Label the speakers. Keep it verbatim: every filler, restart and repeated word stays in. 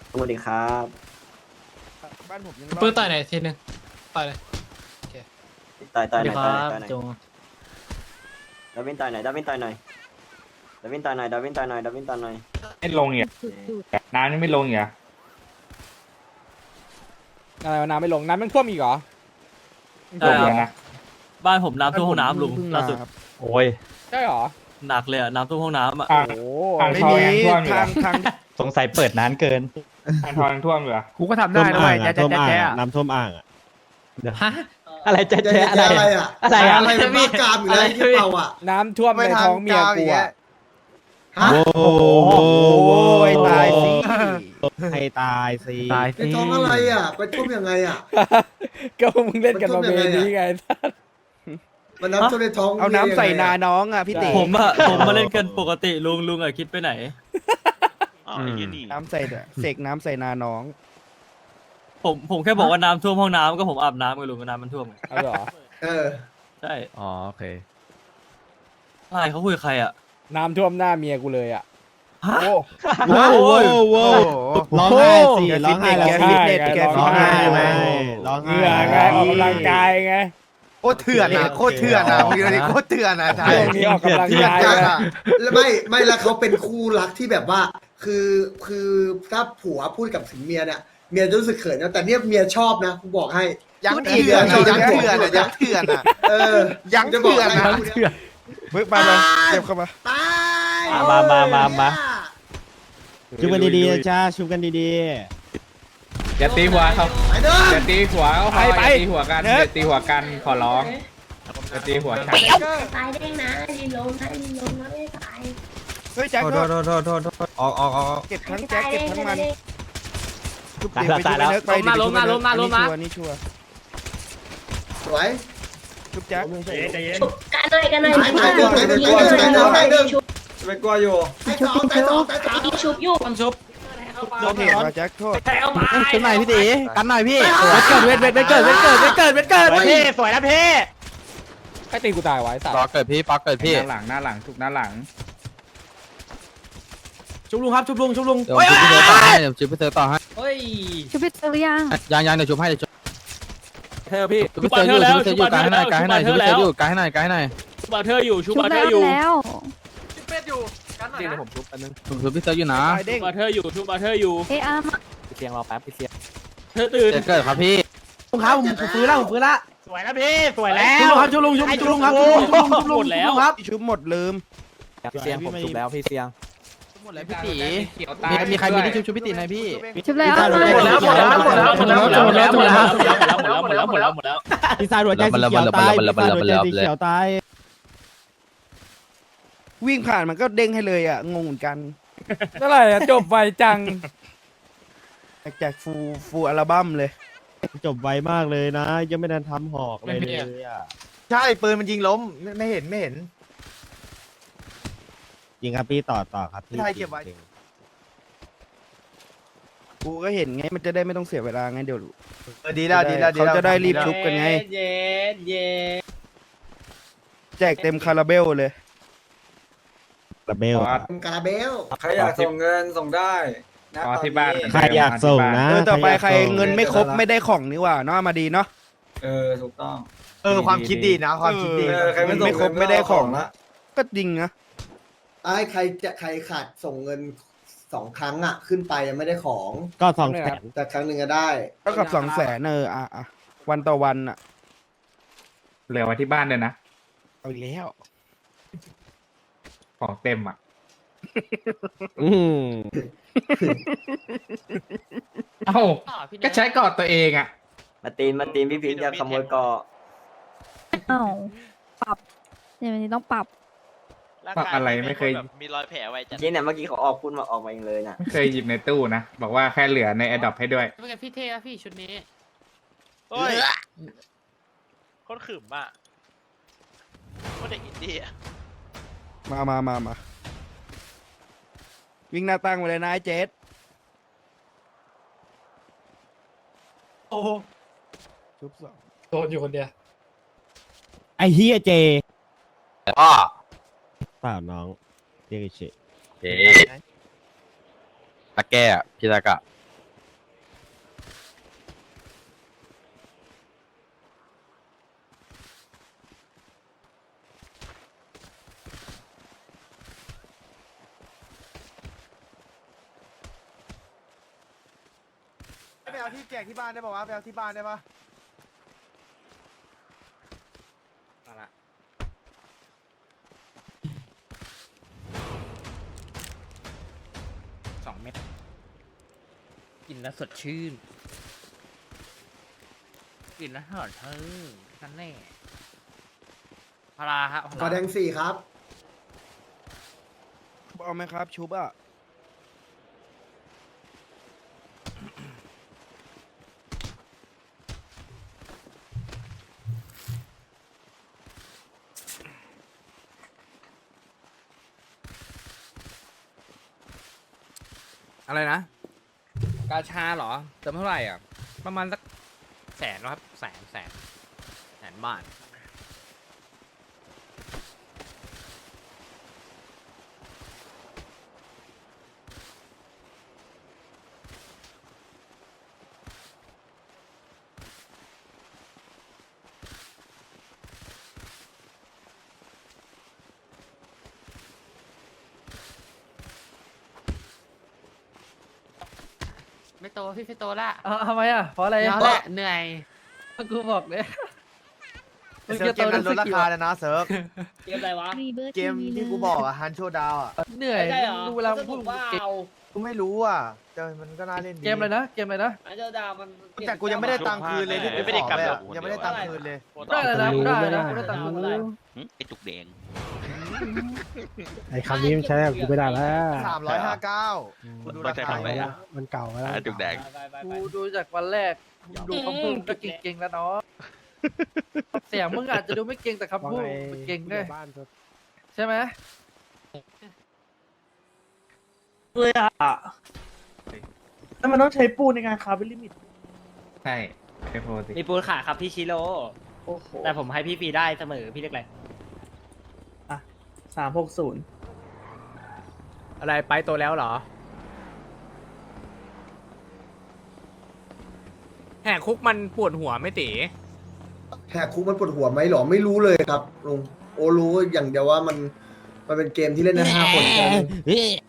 Speaker 1: สวัสดีครับ
Speaker 2: บ้านผมยัง
Speaker 3: ปืนต่อยไหนทีนึงต่อยเลย
Speaker 1: ต่อยต่อยหน่อย
Speaker 3: ค
Speaker 1: ต่อย
Speaker 3: รั
Speaker 1: หน่อยต่อยหน่อย
Speaker 3: บจง
Speaker 1: ดาวินต่อยหน่อยดาวินต่อยหน่อยดาวินต่อยหน่อยดาวินต่อยหน่อยดาวินต่อยหน่อย
Speaker 4: ไม่ลงเนี่ยน้ำนี่ไม่ลงเนี่ย
Speaker 2: อะไรวะน้ำไม่ลงน้ำมันท่วมอีกเหรอ
Speaker 4: ลงแล้วนะ
Speaker 5: บ้านผมน้ำท่วมห้องน้ำลุง
Speaker 2: เพิ่
Speaker 5: ล่าสุด
Speaker 2: ครับ
Speaker 4: โอ้ย
Speaker 2: ใช่เหรอ
Speaker 5: หนักเลยอะน้ำท่วมห้องน้ำอ่ะ
Speaker 4: อ่าง
Speaker 2: โอ้
Speaker 4: อ่าง
Speaker 2: ไม่
Speaker 4: ทอง
Speaker 2: มี
Speaker 4: ยังท่วมอยู่
Speaker 2: ทา
Speaker 4: เหรง อ
Speaker 2: ทาง
Speaker 6: สงสัยเปิดนานเกิน
Speaker 4: อ่างทองยังท่วมอยู่เหรอ
Speaker 7: กูก็ทำได้นะเว้ยแจ๊ะแจ๊ะแจ๊ะ
Speaker 6: น้ำท่วมอ่างอ่ะ
Speaker 3: ฮะ
Speaker 6: อะไรแจ๊ะแจ๊ะอะไร
Speaker 8: อะไรอ่ะ
Speaker 6: อะไรอ่ะ
Speaker 8: อะไรมันบ้ากามอยู่แล้วที่เปล่าอ่ะ
Speaker 2: น้ำท่วมในท้องเมียกูอะ
Speaker 8: ฮะ
Speaker 6: โอ้โห
Speaker 2: โอ้ยตายสิ
Speaker 6: ให้ตายสิ
Speaker 7: ตาย
Speaker 8: ในท้องอะไรอ่ะไปท่วมยังไงอ่ะ
Speaker 2: ก็มึงเล่นกันมาเมนี้ไง
Speaker 8: มันน้ำท่วมในท้อง
Speaker 2: เอาน้ำใส่นาน้องอ่ะพี่ติ
Speaker 5: ผมอะผมมาเล่นกันปกติลุงลุงอะคิดไปไหน
Speaker 2: น้ำใส่เสกน้ำใส่นาน้อง
Speaker 5: ผมผมแค่บอกว่าน้ำท่วมห้องน้ำก็ผมอาบน้ำกับลุงก็น้ำมันท่วมไง
Speaker 2: เอาเหรอ
Speaker 8: เออ
Speaker 5: ใช่
Speaker 7: อ๋อโอเค
Speaker 5: ใช่เขาคุยกับใครอะ
Speaker 2: น้ำท่วมหน้าเมียกูเลยอ่ะ
Speaker 5: ฮะ
Speaker 2: โอ้
Speaker 6: โว้โว้โว้ร้องไห้สิร้องไห้แล้ว
Speaker 2: แกฟิตเนสแก
Speaker 6: ร้องไห้ไหม
Speaker 2: ฟิตเนส
Speaker 6: ร้อง
Speaker 2: เห
Speaker 6: ไห้
Speaker 2: งื่อไงออกกำลังกายไง
Speaker 9: โคตรเถื่อนอ่ะโคตรเถื่อนอ่ะมึงดูดิโคตรเถื่อนอ่ะใช่
Speaker 2: ช่วงนี้ออกกำลัง
Speaker 8: ที่แบบ
Speaker 2: กาย
Speaker 8: ยาก
Speaker 2: ไง
Speaker 8: อ่ะแล้วไม่ไม่แล้วเขาเป็นคู่รักที่แบบว่า คือคือถ้าผัวพูดกับถึงเมียเนี่ยเมียจะรู้สึกเขินนะแต่เนี่ยเมียชอบนะกูบอกให้
Speaker 9: ยังเถื่อนอ่ะยังเถื่อนอ่ะยังเถื่อนอ่ะ
Speaker 8: เออ
Speaker 9: ยังเถื่อน
Speaker 8: จะบ
Speaker 9: อ่ะ
Speaker 8: กอะไร
Speaker 2: เฮ้ยมาเลยเก็บเข้ามา
Speaker 8: ตาย
Speaker 6: มามามามาชุบกันดีๆนะจ้าชุบกันดี
Speaker 4: อย่าตีหัวเขา
Speaker 8: ไปเด้อ
Speaker 4: อย่าตีหัวเขาพอ
Speaker 2: ไป
Speaker 4: อย่า
Speaker 2: ไป
Speaker 4: ตีหัวกัน
Speaker 2: เนิ
Speaker 4: อ
Speaker 2: ร์ด
Speaker 4: ย่าตีหัวกันขอร้องอย่าตีหัวฉัน
Speaker 10: ตายได้นะดีลงนะดีลงนะไม่ตาย
Speaker 2: เฮ้ยแจ็ค
Speaker 9: โทษโทษโทษโทษโทษออกออกออก
Speaker 2: เก็บทั้งแจ็คเก็บทั้งมัน ชุบ
Speaker 6: ตาย
Speaker 2: เดี๋ยว
Speaker 6: แล้ว
Speaker 2: ไป
Speaker 6: ตาย
Speaker 2: ชุบ
Speaker 6: แล้ว
Speaker 2: ไปเนิร์กไป
Speaker 3: ล้มมาล้มมาล้มมาล้มมา
Speaker 2: อันนี้ชัวร์
Speaker 8: สวย
Speaker 2: ชุบแจ็ค
Speaker 10: ชุบกันหน่อยกันหน่อย
Speaker 8: ตายตายเด้อตายเด้อตายเด้อตายเด้อตายเด้อ
Speaker 10: ชุบ
Speaker 8: ไปกลัวอยู่ตายสองตายสองตายสาม
Speaker 10: ชุบอยู่
Speaker 3: ต้ชุบ
Speaker 2: โดนเหตุว่ะแจ็คโทษ
Speaker 3: แทงเอาไป
Speaker 6: ชุบหน่อยพี่ตีกันหน่อยพี่
Speaker 2: เวทเกิดเวทเวทเกิดเวทเกิดเวทเกิดเวทเกิด
Speaker 6: พี่สวยนะพี่
Speaker 2: ใครตีกูตายไว้สัต
Speaker 7: ปอ
Speaker 2: ว์
Speaker 7: เกิดพี่ปอเกิดพี่
Speaker 4: หน้าหลังหน้าหลังทุกหน้าหลัง
Speaker 3: ชุบลุงครับชุบลุงชุบลุง
Speaker 7: เดี๋ยวชุบพี่เธอต่อให้เดี๋ยวชุบพี่เธอต่อให้
Speaker 3: เฮ้ย
Speaker 10: ชุบพี่เจอยัง
Speaker 7: ยังยังเดี๋ยวชุบให้เดี๋ยวชุบ
Speaker 3: เธอพี่
Speaker 7: ชุบพี่เธออยู่ชุบพี่เธออยู่กายให้หน่อยกายให้หน่อยชุบพี่เธออยู่กายให้หน่อยกายให้หน่อย
Speaker 3: ชุบาเธออยู่ชุ
Speaker 10: ชุบบ
Speaker 3: าเธ
Speaker 10: แล้
Speaker 3: อ
Speaker 10: ว
Speaker 3: อยู่
Speaker 10: แล้ว
Speaker 3: เดี๋ยวผมชุบอันนึง
Speaker 7: ชุบชุบพี่เธออยู่นะ
Speaker 2: ตายเด้ง
Speaker 3: ชุบาเธออยู่ชุบาเธออยู่
Speaker 10: เออาร์มา
Speaker 3: พี่เสียงรอแป๊บพี่เสียงเธอตื่น
Speaker 7: เกิดเกิดครับพี่
Speaker 6: ลุงครับผมฟื้นแล้วผมฟื้นละสวยนะพี่สวยแล้ว
Speaker 3: ชุบลุงครับชุบลุงชุบลุงครับชุบลุงชุบลุงชุบลุงหมดแล้ว
Speaker 2: ครับชุบหมดลืม
Speaker 3: เสียงผมชุบแล้วพี่เสียง
Speaker 7: หมดแล้วพี่ตี
Speaker 4: เขียวตา
Speaker 7: มี
Speaker 4: ย
Speaker 7: มีใครมีที่ชุบชุบพี่ตีไหมพี่
Speaker 10: ชุบแล้ว
Speaker 3: หมดแล้วหมดแล้วหมดแล้วหมดแล้วหมดแล้วหมดแล้วหมดแล้วหมดแล้วหมดแล้วหมดแล้วหมดแล้ว
Speaker 6: ปีศาจหัวใจสีเขียวตายปีศาจหัวใจสีเขียวตาย
Speaker 2: วิ่งผ่านมันก็เด้งให้เลยอ่ะงงเหมือนกันเท่าไหร่อะจบไวจังแจกฟูฟูอัลบั้มเลย
Speaker 6: จบไวมากเลยนะ ยังไม่ทันทำหอกเลยเลยอ่ะ
Speaker 9: ใช่ปืนมันยิงล้มไม่ไม่เห็นไม่เห็น
Speaker 6: จริงครับพี่ต่อต่อครับพี่
Speaker 9: ใช่เก็บไว้
Speaker 2: กูก็เห็นไงมันจะได้ไม่ต้องเสียเวลาไงเดี๋ยว
Speaker 9: เออดีแล้วดีแล้วดีแล้ว
Speaker 2: เขาจะได้รีบชุบกันไง
Speaker 3: เย็นเย็น
Speaker 2: แจกเต็มคาราเบลเลย
Speaker 6: ระเบล
Speaker 8: กาลาเบล
Speaker 4: ใครอยากส่งเงินส่งได้ขอที่บ้าน
Speaker 6: ใครอยากส่งนะ
Speaker 2: เออต่อไปใครเงินไม่ครบไม่ได้ของนี่หว่าเนาะมาดีเนาะ
Speaker 4: เออถูกต้อง
Speaker 9: เออความคิดดีนะความคิดดี
Speaker 2: เออใครไม่ส่งไม่ครบไม่ได้ของ
Speaker 4: ละ
Speaker 2: ก็จริงนะ
Speaker 8: ไอ้ใครจะใครขาดส่งเงินสองครั้งอ่ะ ขึ้นไปยังไม่ได้ของ
Speaker 6: ก็สองแสน
Speaker 8: แต่ครั้งหนึ่งก็ได้
Speaker 2: ก็กับสองแสนเอออ่ะอ่ะวันต่อวันอ่ะ
Speaker 4: เหลือไว้ที่บ้านเลยนะ
Speaker 2: เอาอีกแล้ว
Speaker 4: ของเต็มอ่ะ
Speaker 6: อืม
Speaker 4: เอ้าก็ใช้กอดตัวเองอ่ะ
Speaker 1: มาตีนมาตีนพี่พิงจะขโมยเกาะ
Speaker 10: อ้าวปรับเดี๋ยวนี้ต้องปรับ
Speaker 4: ปรับอะไรไม่เคย
Speaker 5: มีรอยแผลไว้จัด
Speaker 1: จริงเนี่ยเมื่อกี้เขาออกพูดมาออกมาเองเลยน่ะ
Speaker 4: ไม่เคยหยิบในตู้นะ บอกว่าแค่เหลือใน a อ o p ให้ด้วย
Speaker 3: เป็นไงพี่เท่อะพี่ชุดนี้
Speaker 5: โอ้ยโคตรขึมอ่ะโคตรเด็กอินดี้อ่ะ
Speaker 2: มามามามาวิ่งหน้าตั้งไปเลยนะไอ้เจส
Speaker 3: โอ้โห
Speaker 2: ชุบสอง
Speaker 3: โดนอยู่คนเดียว
Speaker 6: ไอเฮียเจ
Speaker 7: พ่อ
Speaker 6: เปล่าน้องเรียกเฉย
Speaker 7: เจ๊ตะแก้พี่ตะกะ
Speaker 9: ไปเอาที่แจกที่บ้านได้ป่าวะไปเอาที่บ้านได้ปะ
Speaker 2: มาละสองเม็ดกินแล้วสดชื่นกินแล้วหอดเธอนั่นแน่พาราฮะ
Speaker 8: กอแดงสี่ครับ
Speaker 2: เอาไหมครับชุบอ่ะอะไรนะ กาชาเหรอเติมเท่าไหร่อ่ะ ประมาณสักแสนนะครับแสนแสนแสนบาทไม่โตพี่ไม่โตละ
Speaker 3: ทำไมอ่ะเพราะอะไร
Speaker 2: ยาวแหละเหนื่อย
Speaker 3: กูบอกเลย
Speaker 9: เซิร์ฟเกมนั้นลดราคาเลยนะเซิร์ฟ
Speaker 3: เกมอะไรวะ
Speaker 10: รีเบิร์
Speaker 9: เกมที่กูบอกอะฮันโชดาวอะ
Speaker 3: เหนื่อยดูเวลาพูดเกม
Speaker 9: กูไม่รู้อะแต่มันก็น่าเล่นดี
Speaker 3: เกมอะไรนะเกมอะไรนะ
Speaker 9: แต่กูยังไม่ได้ตังค์คืนเลยที่กูขอไปอะยังไม่ได้ตังค์คืนเลย
Speaker 3: ได้เลยนะได้เลยนะได้ตังค์อะไร
Speaker 5: ไอจุกแดง
Speaker 6: ไอ้คำนี้มันใช้กับกูไม่ได้แล้ว
Speaker 9: สามร้อยห้าเก้ากูดูราคา
Speaker 6: มันเก่าแล้ว
Speaker 5: จุกแดง
Speaker 3: กูดูจากวันแรกดูคำพูดก็เก่งๆแล้วเนาะเสียงมึงอาจจะดูไม่เก่งแต่คำพูดมันเก่งด้วยใช่ไหม
Speaker 2: เลยอ่ะแล้วมันต้องใช้ปูนในการคาร์บอนลิมิต
Speaker 4: ใช่ไอโฟสิ
Speaker 3: มีปูนขาครับพี่ชิโร่
Speaker 2: โอ้โห
Speaker 3: แต่ผมให้พี่ฟรีได้เสมอพี่เรียกอะไร
Speaker 2: สามหกศูนย์
Speaker 3: อะไรไปโตแล้วเหรอแหกคุกมันปวดหัวไม่ตี
Speaker 8: แหกคุกมันปวดหัวไหมหรอไม่รู้เลยครับลุงโอรู้อย่างเดียวว่ามันมันเป็นเกมที่เล่นได้ห้าคนแค่นั้น